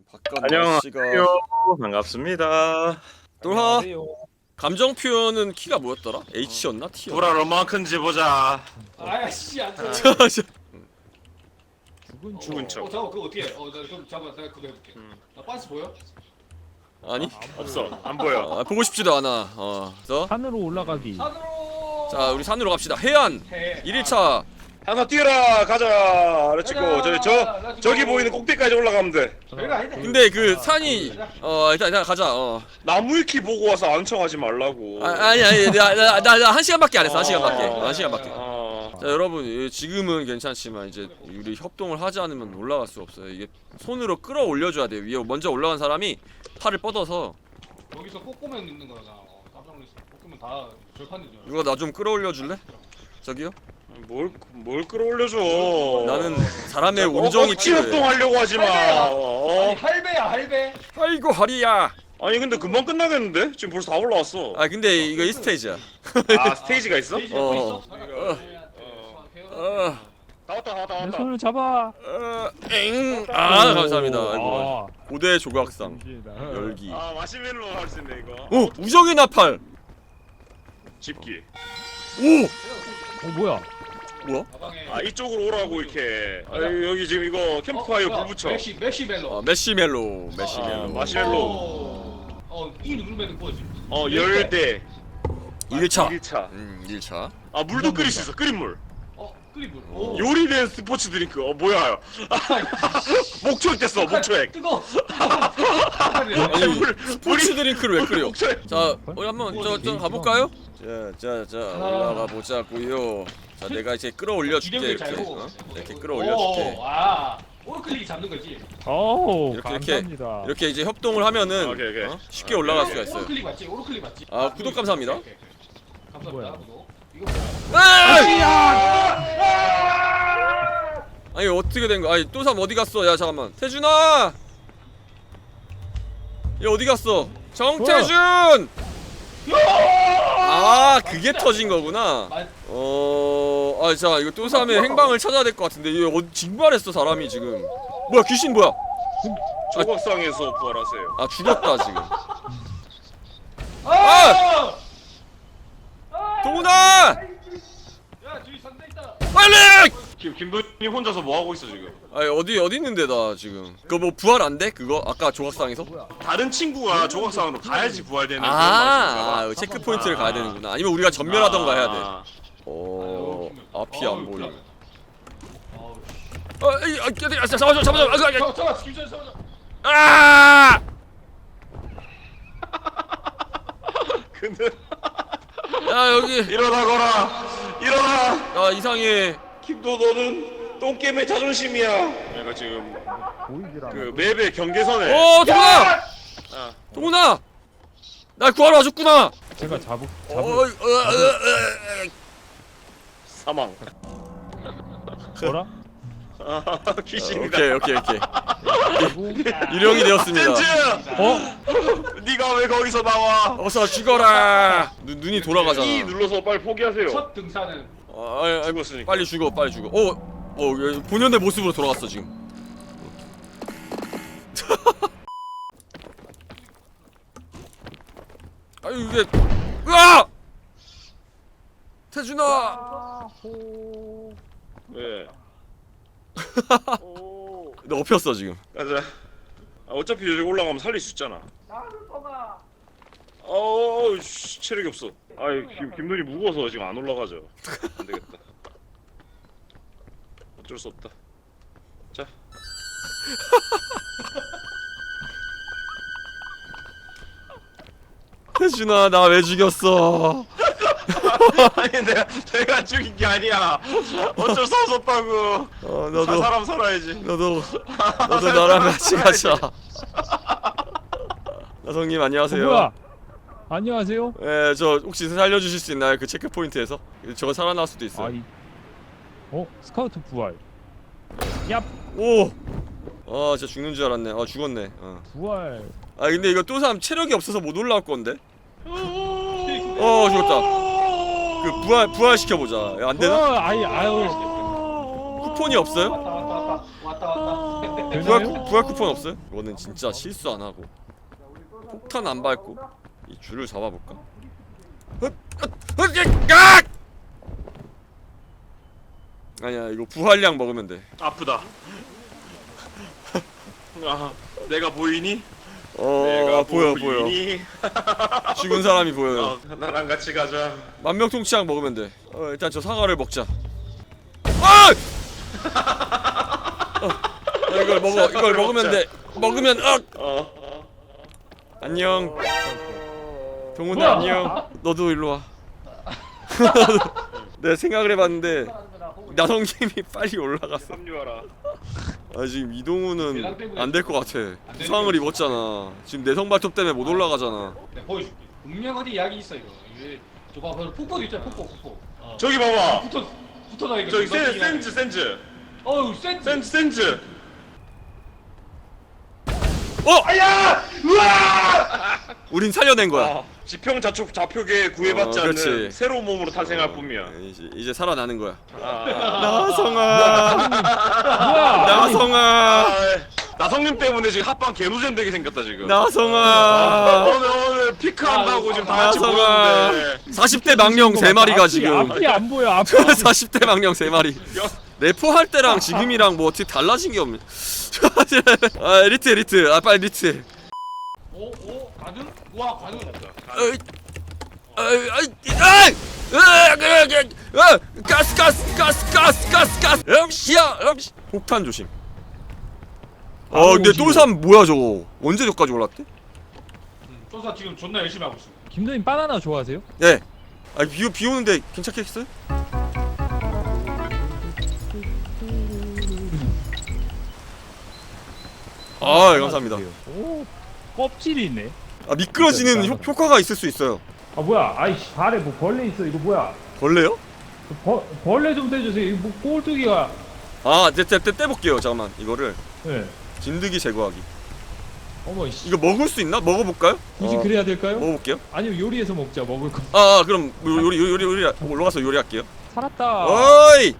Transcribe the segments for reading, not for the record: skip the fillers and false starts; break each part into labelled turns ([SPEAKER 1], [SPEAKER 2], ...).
[SPEAKER 1] 안녕하세요. 반갑습니다.
[SPEAKER 2] 또하 감정 표현은 키가 뭐였더라? H였나? T였나?
[SPEAKER 1] 불알 얼마나 큰지 보자.
[SPEAKER 3] 아이씨 안돼.
[SPEAKER 1] 죽은 척.
[SPEAKER 3] 잠깐 그거 어떻게 해? 나 그럼 잠깐 내가 그거 해볼게. 나 빤스 보여?
[SPEAKER 2] 아니?
[SPEAKER 1] 없어. 안 보여.
[SPEAKER 2] 보고 싶지도 않아. 그래서
[SPEAKER 4] 산으로 올라가기.
[SPEAKER 3] 산으로.
[SPEAKER 2] 자 우리 산으로 갑시다. 해안
[SPEAKER 3] 해.
[SPEAKER 2] 1일차.
[SPEAKER 1] 하나 뛰어라. 가자. 그렇지고
[SPEAKER 3] 가자.
[SPEAKER 1] 저기 보이는 꼭대기까지 올라가면 돼.
[SPEAKER 3] 별거 아닌데.
[SPEAKER 2] 근데 그 산이 일단 가자.
[SPEAKER 1] 나무위키 보고 와서 안 청하지 말라고.
[SPEAKER 2] 아니 나 1시간밖에 안 했어. 1시간밖에. 1시간밖에.
[SPEAKER 1] 어.
[SPEAKER 2] 자 여러분 지금은 괜찮지만 이제 우리 협동을 하지 않으면 올라갈 수 없어요. 이게 손으로 끌어올려줘야 돼요. 위에 먼저 올라간 사람이 팔을 뻗어서
[SPEAKER 3] 여기서 꼬꼬면 있는 거잖아. 깜짝 놀랐어. 꼬꼬면 다 절판인 줄 알았어.
[SPEAKER 2] 이거 나 좀 끌어올려줄래? 저기요?
[SPEAKER 1] 뭘 끌어올려줘.
[SPEAKER 2] 나는 사람의 온정이
[SPEAKER 1] 억지 협동하려고 하지 마.
[SPEAKER 3] 아니 할배야 할배.
[SPEAKER 2] 아이고 허리야.
[SPEAKER 1] 아니 근데 금방 끝나겠는데? 지금 벌써 다 올라왔어.
[SPEAKER 2] 근데 이거 1스테이지야.
[SPEAKER 1] 아 스테이지가 있어?
[SPEAKER 3] 스테이지
[SPEAKER 2] 어.
[SPEAKER 3] 잡고 있어?
[SPEAKER 1] 다 왔다
[SPEAKER 4] 내
[SPEAKER 1] 왔다.
[SPEAKER 4] 손을 잡아.
[SPEAKER 2] 감사합니다. 아이고. 고대 조각상
[SPEAKER 4] 잠시다.
[SPEAKER 2] 열기.
[SPEAKER 1] 아 마시멜로 할 수 있네 이거.
[SPEAKER 2] 오 우정의 나팔.
[SPEAKER 1] 집기.
[SPEAKER 2] 오
[SPEAKER 4] 뭐야?
[SPEAKER 2] 뭐야?
[SPEAKER 1] 아 이쪽으로 오라고 이렇게. 여기 지금 이거 캠프파이어 불 붙여.
[SPEAKER 3] 메시멜로.
[SPEAKER 2] 메시멜로.
[SPEAKER 1] 마시멜로.
[SPEAKER 3] 이 누르면 뭐지?
[SPEAKER 1] 열대.
[SPEAKER 2] 1차.
[SPEAKER 1] 1차.
[SPEAKER 2] 1차.
[SPEAKER 1] 아 물도 끓일 수 있어. 끓인 물.
[SPEAKER 3] 클리브.
[SPEAKER 1] 요리된 스포츠 드링크. 뭐야? 목초액 됐어. 목초액.
[SPEAKER 3] 뜨거.
[SPEAKER 2] 아니 스포츠 드링크를 왜 끓여?
[SPEAKER 1] 목초액.
[SPEAKER 2] 자 우리 한번 저 가볼까요? 자 올라가 보자고요. 자 내가 이제 끌어올려 줄게
[SPEAKER 3] 기력을
[SPEAKER 2] 이렇게.
[SPEAKER 3] 잘 보고.
[SPEAKER 2] 이렇게 끌어올려 줄게.
[SPEAKER 3] 오클릭 잡는 거지.
[SPEAKER 4] 오,
[SPEAKER 2] 이렇게,
[SPEAKER 4] 감사합니다.
[SPEAKER 2] 이렇게 이제 협동을 하면은
[SPEAKER 1] 오케이.
[SPEAKER 2] 쉽게 올라갈 수가 있어요.
[SPEAKER 3] 오클릭 맞지? 오클릭 맞지?
[SPEAKER 2] 구독 감사합니다.
[SPEAKER 3] 오케이. 감사합니다.
[SPEAKER 4] 뭐야?
[SPEAKER 3] 구독. 이거
[SPEAKER 2] 아니 어떻게 된 거야? 아니 또삼 어디 갔어? 야 잠깐만 태준아! 얘 어디 갔어? 정태준! 그게 터진 거구나. 자 이거 또삼의 행방을 찾아야 될 것 같은데 얘 징발했어 사람이 지금. 뭐야 귀신 뭐야?
[SPEAKER 1] 조각상에서 부활하세요.
[SPEAKER 2] 죽었다 지금. 동훈아!
[SPEAKER 3] 야, 저기 상대 있다.
[SPEAKER 2] 빨리!
[SPEAKER 1] 지금 김도현이 혼자서 뭐 하고 있어 지금?
[SPEAKER 2] 어디 있는데 나 지금. 그거 뭐 부활 안 돼? 그거 아까 조각상에서?
[SPEAKER 1] 다른 친구가 조각상으로 가야지 부활되는 그런 맛인가 봐.
[SPEAKER 2] 체크 포인트를 가야 되는구나. 아니면 우리가 전멸하던가 해야 돼. 앞이 안 보여. 잡아줘.
[SPEAKER 3] 잠깐만, 김선 잡아줘.
[SPEAKER 1] 근데
[SPEAKER 2] 야 여기.
[SPEAKER 1] 일어나.
[SPEAKER 2] 이상해.
[SPEAKER 1] 김도 너는 똥게임의 자존심이야. 내가 지금 그 맵의 경계선에.
[SPEAKER 2] 동훈아! 동훈아! 날 구하러 와줬구나.
[SPEAKER 4] 제가 잡을
[SPEAKER 1] 사망.
[SPEAKER 4] 뭐라?
[SPEAKER 1] 귀신이다.
[SPEAKER 2] 오케이. 유령이 되었습니다.
[SPEAKER 1] 젠즈! 네가 왜 거기서 나와?
[SPEAKER 2] 어서 죽어라. 눈이 돌아가잖아.
[SPEAKER 1] E 눌러서 빨리 포기하세요.
[SPEAKER 3] 첫 등산은
[SPEAKER 1] 죽었으니까.
[SPEAKER 2] 빨리 죽어. 본연의 모습으로 돌아갔어 지금. 이게 태준아.
[SPEAKER 1] 왜?
[SPEAKER 2] 너 엎였어 지금.
[SPEAKER 1] 가자. 어차피 여기 올라가면 살릴 수 있잖아. 체력이 없어. 김돈이 무거워서 지금 안 올라가죠. 안 되겠다. 어쩔 수 없다. 자.
[SPEAKER 2] 태준아 나 왜 죽였어?
[SPEAKER 1] 아니 내가 죽인 게 아니야. 어쩔 수 없었다고.
[SPEAKER 2] 너도
[SPEAKER 1] 사람 살아야지.
[SPEAKER 2] 너도 나랑 같이 가자. 나성님 안녕하세요.
[SPEAKER 4] 뭐야? 안녕하세요.
[SPEAKER 2] 예, 저 혹시 살려주실 수 있나요? 그 체크 포인트에서 저거 살아날 수도 있어요.
[SPEAKER 4] 스카우트 부활. 얍.
[SPEAKER 2] 오. 진짜 죽는 줄 알았네. 죽었네.
[SPEAKER 4] 부활.
[SPEAKER 2] 근데 이거 또삼 체력이 없어서 못 올라올 건데. 죽었다. 그 부활 시켜보자. 안 되나?
[SPEAKER 4] 아유.
[SPEAKER 2] 쿠폰이 없어요?
[SPEAKER 3] 왔다.
[SPEAKER 4] 되나요?
[SPEAKER 2] 부활 쿠폰 없어요? 이거는 진짜 실수 안 하고 폭탄 안 밟고 이 줄을 잡아볼까? 아니야 이거 부활량 먹으면 돼.
[SPEAKER 1] 아프다. 아, 내가 보이니?
[SPEAKER 2] 어 보여 보여.
[SPEAKER 1] 보이니?
[SPEAKER 2] 죽은 사람이 보여요.
[SPEAKER 1] 나랑 같이 가자.
[SPEAKER 2] 만명통치약 먹으면 돼. 일단 저 사과를 먹자. 아! 이걸 먹어. 이걸 먹으면 돼. 먹으면 안녕. 동훈아 안녕. 너도 일로 와. 내가 생각을 해봤는데 나성김이 빨리 올라갔어.
[SPEAKER 1] 합류하라.
[SPEAKER 2] 아 지금 이동훈은 안 될 것 같아. 부상을 입었잖아. 지금 내성 발톱 때문에 못 올라가잖아.
[SPEAKER 3] 내가 보여줄게. 분명 어디 약이 있어 이거. 이게 저거 봐, 폭포도 있잖아. 폭포.
[SPEAKER 1] 저기 봐봐.
[SPEAKER 3] 붙어 나니까.
[SPEAKER 1] 저기 센즈.
[SPEAKER 3] 어우 센.
[SPEAKER 1] 센즈.
[SPEAKER 2] 아야! 우린 살려낸 거야.
[SPEAKER 1] 지평 좌표계에 구애받지 않는
[SPEAKER 2] 그렇지.
[SPEAKER 1] 새로운 몸으로 탄생할 뿐이야.
[SPEAKER 2] 이제 살아나는 거야.
[SPEAKER 1] 아.
[SPEAKER 2] 나성아.
[SPEAKER 4] 뭐야?
[SPEAKER 2] 나성아.
[SPEAKER 1] 나성님 때문에 지금 합방 개노잼 되게 생겼다 지금.
[SPEAKER 2] 나성아.
[SPEAKER 1] 오늘 피크한다고 지금 다 같이
[SPEAKER 2] 나성아.
[SPEAKER 1] 모였는데
[SPEAKER 2] 40대 망령 3마리가 지금.
[SPEAKER 4] 앞이 안 보여. 앞이.
[SPEAKER 2] 40대 망령 3마리. 래퍼 할 때랑 지금이랑 뭐 어떻게 달라진 게 없네. 아 리트. 아 빨리 리트.
[SPEAKER 3] 오 가능? 와 가능.
[SPEAKER 2] 가스. 역시야. 폭탄 조심. 근데 똘삼 뭐야 저거? 언제 저까지 올랐대?
[SPEAKER 3] 조사 지금 존나 열심히 하고 있어.
[SPEAKER 4] 김도님 바나나 좋아하세요?
[SPEAKER 2] 네. 비 오는데 괜찮겠어요? 감사합니다.
[SPEAKER 4] 오, 껍질이 있네.
[SPEAKER 2] 미끄러지는 효과가 있을 수 있어요.
[SPEAKER 4] 아 뭐야? 아이씨 발에 뭐 벌레 있어. 이거 뭐야?
[SPEAKER 2] 벌레요?
[SPEAKER 4] 벌레 좀 떼주세요. 이거 뭐 꼴뚜기가.
[SPEAKER 2] 떼볼게요. 잠깐만 이거를
[SPEAKER 4] 네.
[SPEAKER 2] 진드기 제거하기.
[SPEAKER 4] 어머 씨.
[SPEAKER 2] 이거 먹을 수 있나? 먹어볼까요?
[SPEAKER 4] 굳이 그래야 될까요?
[SPEAKER 2] 먹어볼게요.
[SPEAKER 4] 아니면 요리해서 먹자. 먹을 거.
[SPEAKER 2] 그럼 요리 올라가서 요리할게요.
[SPEAKER 4] 살았다.
[SPEAKER 2] 어이.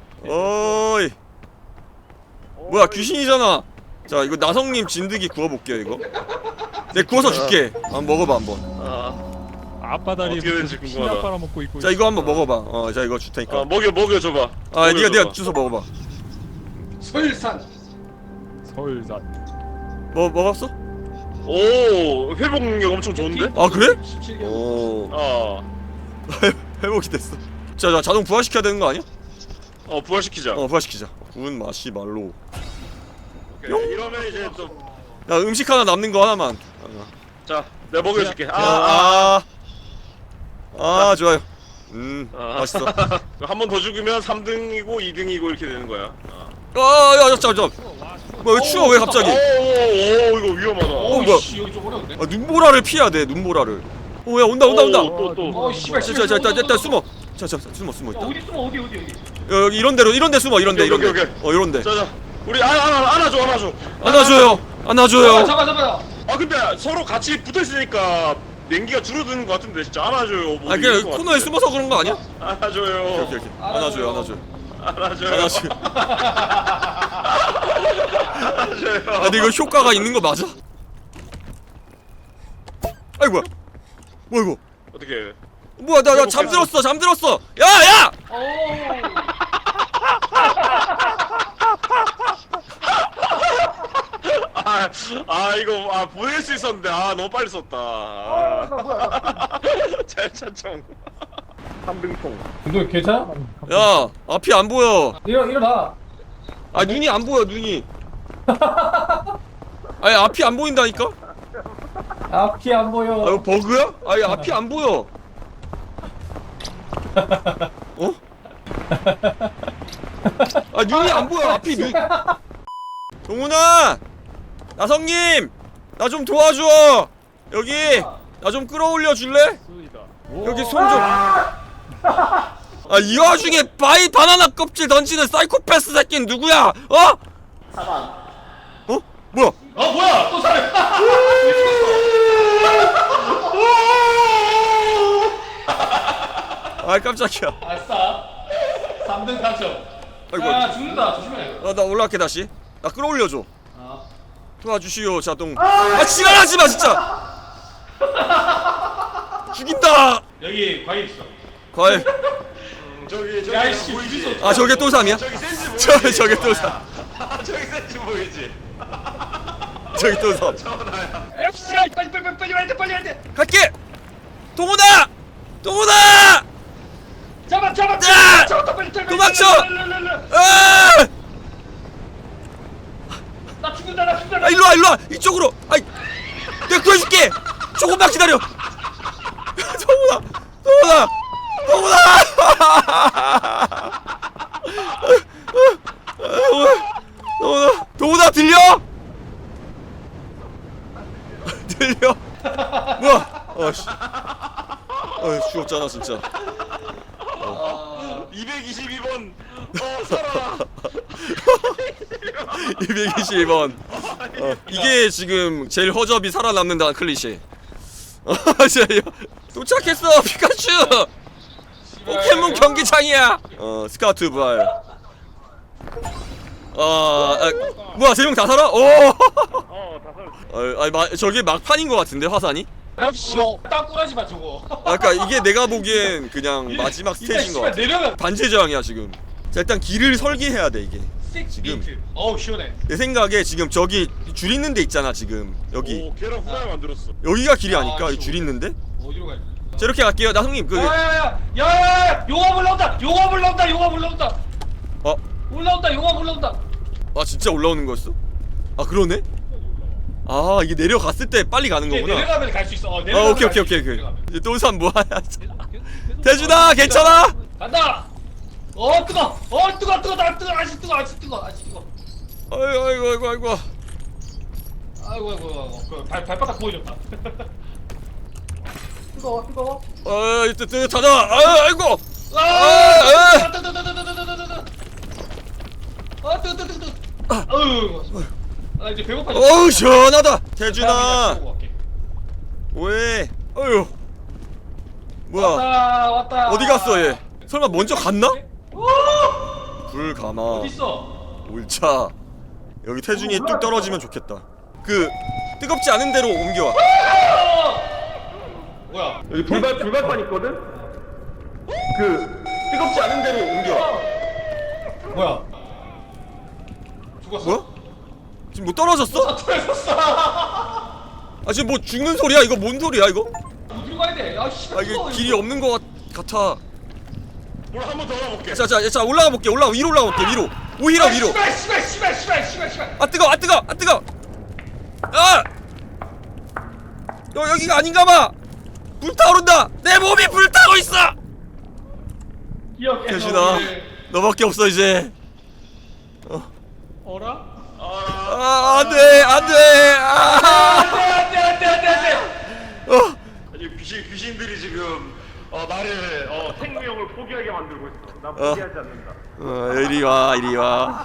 [SPEAKER 2] 뭐야 귀신이잖아. 자 이거 나성님 진드기 구워볼게요 이거. 내가 구워서 줄게. 한번 먹어봐 한번.
[SPEAKER 4] 아빠 다리에
[SPEAKER 1] 어떻게 되는지
[SPEAKER 4] 피나
[SPEAKER 1] 궁금하다.
[SPEAKER 4] 빨아먹고 있고.
[SPEAKER 2] 자 이거 한번 먹어봐. 자 이거 줄 테니까.
[SPEAKER 1] 먹여줘봐.
[SPEAKER 2] 네가 주워 먹어봐.
[SPEAKER 3] 설산.
[SPEAKER 4] 서울산.
[SPEAKER 2] 먹었어?
[SPEAKER 1] 오, 회복 능력 엄청 좋은데?
[SPEAKER 2] 아 그래?
[SPEAKER 3] 17개월.
[SPEAKER 2] 오. 회복이 됐어. 자 자동 부활시켜야 되는 거 아니야?
[SPEAKER 1] 부활시키자.
[SPEAKER 2] 부활시키자. 구운 마시말로.
[SPEAKER 1] 오케이. 이러면 이제 또,
[SPEAKER 2] 야 음식 하나 남는 거 하나만.
[SPEAKER 1] 자, 내가 먹여줄게.
[SPEAKER 2] 좋아요. 맛있어.
[SPEAKER 1] 한 번 더 죽으면 3등이고 2등이고 이렇게 되는 거야.
[SPEAKER 2] 야 잠깐. 왜 추워 왜 갑자기?
[SPEAKER 1] 오, 이거 위험하다.
[SPEAKER 2] 뭐야?
[SPEAKER 3] 씨 여기 좀 어려운데.
[SPEAKER 2] 눈보라를 피해야 돼. 눈보라를. 야 온다.
[SPEAKER 1] 또.
[SPEAKER 3] 씨발.
[SPEAKER 2] 일단 숨어. 자 숨어 일단.
[SPEAKER 3] 어디 숨어 어디.
[SPEAKER 2] 여기 이런 데 숨어. 이런 데.
[SPEAKER 1] 오케이.
[SPEAKER 2] 이런 데.
[SPEAKER 1] 자, 우리 안아줘.
[SPEAKER 2] 안아줘요.
[SPEAKER 3] 잠깐.
[SPEAKER 1] 근데 서로 같이 붙어 있으니까 냉기가 줄어드는 것 같은데 진짜 안아줘요. 뭐
[SPEAKER 2] 그냥
[SPEAKER 1] 이럴 것
[SPEAKER 2] 코너에
[SPEAKER 1] 같은데.
[SPEAKER 2] 숨어서 그런 거 아니야?
[SPEAKER 1] 안아줘요.
[SPEAKER 2] 오케이. 안아줘요.
[SPEAKER 1] 안아줘요.
[SPEAKER 2] 근데 이거 효과가 있는 거 맞아? 아이 뭐야 이거?
[SPEAKER 1] 어떻게?
[SPEAKER 2] 뭐야 나 잠들었어. 야!
[SPEAKER 1] 이거 보낼 수 있었는데 너무 빨리 썼다. 잘 찬청. 3등통.
[SPEAKER 3] 너 괜찮아?
[SPEAKER 2] 야 앞이 안 보여.
[SPEAKER 3] 일어나.
[SPEAKER 2] 눈이 안 보여 눈이. 아니 앞이 안 보인다니까?
[SPEAKER 3] 앞이 안 보여.
[SPEAKER 2] 이거 버그야? 아니 앞이 안 보여. 눈이 안 보여. 앞이 눈. 동훈아, 나성님, 나 좀 도와줘. 여기 나 좀 끌어올려 줄래? 여기 손 좀. 이 와중에 바나나 껍질 던지는 사이코패스 새끼는 누구야? 뭐야?
[SPEAKER 3] 뭐야? 또 살해.
[SPEAKER 2] 깜짝이야.
[SPEAKER 3] 아싸. 3등 당첨.
[SPEAKER 2] 아이고.
[SPEAKER 3] 야 죽는다 조심해.
[SPEAKER 2] 나 올라갈게 다시. 나 끌어올려줘.
[SPEAKER 3] 아.
[SPEAKER 2] 도와주시오 자동. 지랄하지 마 진짜. 죽인다.
[SPEAKER 3] 여기 과일 있어.
[SPEAKER 2] 과일.
[SPEAKER 1] 저기
[SPEAKER 3] 야이씨
[SPEAKER 1] 보이지?
[SPEAKER 3] 주소.
[SPEAKER 2] 아 저게 또 삼이야?
[SPEAKER 1] 저기 센스 보이지?
[SPEAKER 2] 저게 또 삼.
[SPEAKER 1] 저기 센스 보이지?
[SPEAKER 2] 저기 또 삼.
[SPEAKER 1] 저거나야.
[SPEAKER 3] 빨리 와야 돼.
[SPEAKER 2] 갈게. 동훈아. 동훈아.
[SPEAKER 3] 잡아.
[SPEAKER 2] 야!
[SPEAKER 3] 빨리
[SPEAKER 2] 도망쳐! 아!
[SPEAKER 3] 나 죽는다.
[SPEAKER 2] 아 일로 와 이쪽으로. 아이 내가 구해줄게. 조금만 기다려. 동훈아 들려? 들려? 뭐야? 어씨. 죽었잖아 진짜.
[SPEAKER 1] 222번. 살아.
[SPEAKER 2] 222번. 이게 지금 제일 허접이 살아남는다는 클리셰. 도착했어 피카츄. 포켓몬 경기장이야. 스카우트 부활. 뭐야 3명 다 살아? 오. 저게 막판인 것 같은데 화산이?
[SPEAKER 3] 땅꾸라지 마 저거.
[SPEAKER 2] 아까 이게 내가 보기엔 그냥 마지막 스테이지인 것 같아.
[SPEAKER 3] 내려가.
[SPEAKER 2] 반제저항이야 지금. 자 일단 길을 설계해야 돼 이게. 지금.
[SPEAKER 3] 어우 시원해.
[SPEAKER 2] 내 생각에 지금 저기 줄 있는 데 있잖아 지금 여기.
[SPEAKER 1] 오 계란 후라이 만들었어.
[SPEAKER 2] 여기가 길이 아닐까? 줄 있는데?
[SPEAKER 3] 어디로 가야 돼?
[SPEAKER 2] 자 이렇게 갈게요. 나 형님 그
[SPEAKER 3] 야야야! 용암 올라온다! 용암 올라온다!
[SPEAKER 2] 어?
[SPEAKER 3] 용암 올라온다!
[SPEAKER 2] 아 진짜 올라오는 거였어? 아 그러네? 아 이게 내려갔을 때 빨리 가는
[SPEAKER 3] 이제
[SPEAKER 2] 거구나.
[SPEAKER 3] 내려가면 갈 수 있어.
[SPEAKER 2] 아
[SPEAKER 3] 내려가면
[SPEAKER 2] 오케이
[SPEAKER 3] 갈수 있어,
[SPEAKER 2] 오케이.
[SPEAKER 3] 내려가면.
[SPEAKER 2] 이제 또산 뭐하냐? 대준아 괜찮아?
[SPEAKER 3] 간다! 뜨거! 아직 뜨거!
[SPEAKER 2] 아이고.
[SPEAKER 3] 아이고. 발바닥 보여줬다. 뜨거워.
[SPEAKER 2] 뜨뜻하다. 아이고.
[SPEAKER 3] 뜨거. 이제 배고파.
[SPEAKER 2] 어우 시원하다. 대준아. 왜? 어휴. 뭐야?
[SPEAKER 3] 왔다.
[SPEAKER 2] 어디 갔어 얘? 설마 먼저 갔나? 불 감아.
[SPEAKER 3] 어딨어?
[SPEAKER 2] 옳차. 여기 태준이 뚝 떨어지면 좋겠다. 그 뜨겁지 않은 데로 옮겨와.
[SPEAKER 3] 뭐야?
[SPEAKER 2] 여기 불발판 있거든? 그 뜨겁지 않은 데로 옮겨와.
[SPEAKER 3] 뭐야? 죽었어?
[SPEAKER 2] 뭐야? 지금 뭐 떨어졌어?
[SPEAKER 3] 떨어졌어.
[SPEAKER 2] 아 지금 뭐 죽는 소리야? 이거 뭔 소리야 이거?
[SPEAKER 3] 어디로 가야 돼? 씨.
[SPEAKER 2] 아 이게 길이 없는 것 같아.
[SPEAKER 1] 뭘 한 번 더 알아볼게.
[SPEAKER 2] 자 올라가 볼게. 위로 올라가 볼게. 위로. 오히려 위로.
[SPEAKER 3] 씨발.
[SPEAKER 2] 아 뜨거. 아! 여기가 아닌가 봐. 불타오른다. 내 몸이 불타고 있어. 태준아, 너밖에 없어 이제.
[SPEAKER 3] 어라?
[SPEAKER 2] 안돼.
[SPEAKER 3] 안돼.
[SPEAKER 1] 아니 귀신들이 지금 나를 생명을 포기하게 만들고 있어. 나 포기하지 않는다.
[SPEAKER 2] 이리 와.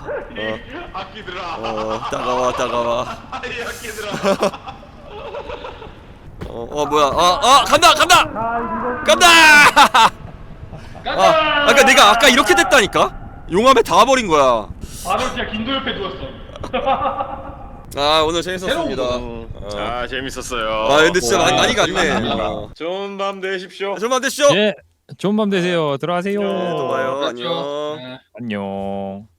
[SPEAKER 1] 아끼들아.
[SPEAKER 2] 따가워.
[SPEAKER 1] 아이 아끼들아.
[SPEAKER 2] 뭐야? 간다. 아까 내가 아까 이렇게 됐다니까. 용암에 닿아버린 거야.
[SPEAKER 3] 바로 진짜 긴도 옆에 누웠어.
[SPEAKER 2] 오늘 재밌었습니다.
[SPEAKER 1] 재밌었어요.
[SPEAKER 2] 근데 진짜 많이 갔네.
[SPEAKER 1] 좋은 밤 되십시오.
[SPEAKER 2] 좀만 되시죠.
[SPEAKER 4] 예, 좋은 밤 되세요. 들어가세요.
[SPEAKER 2] 또 봐요. 안녕.
[SPEAKER 3] 네.
[SPEAKER 4] 안녕.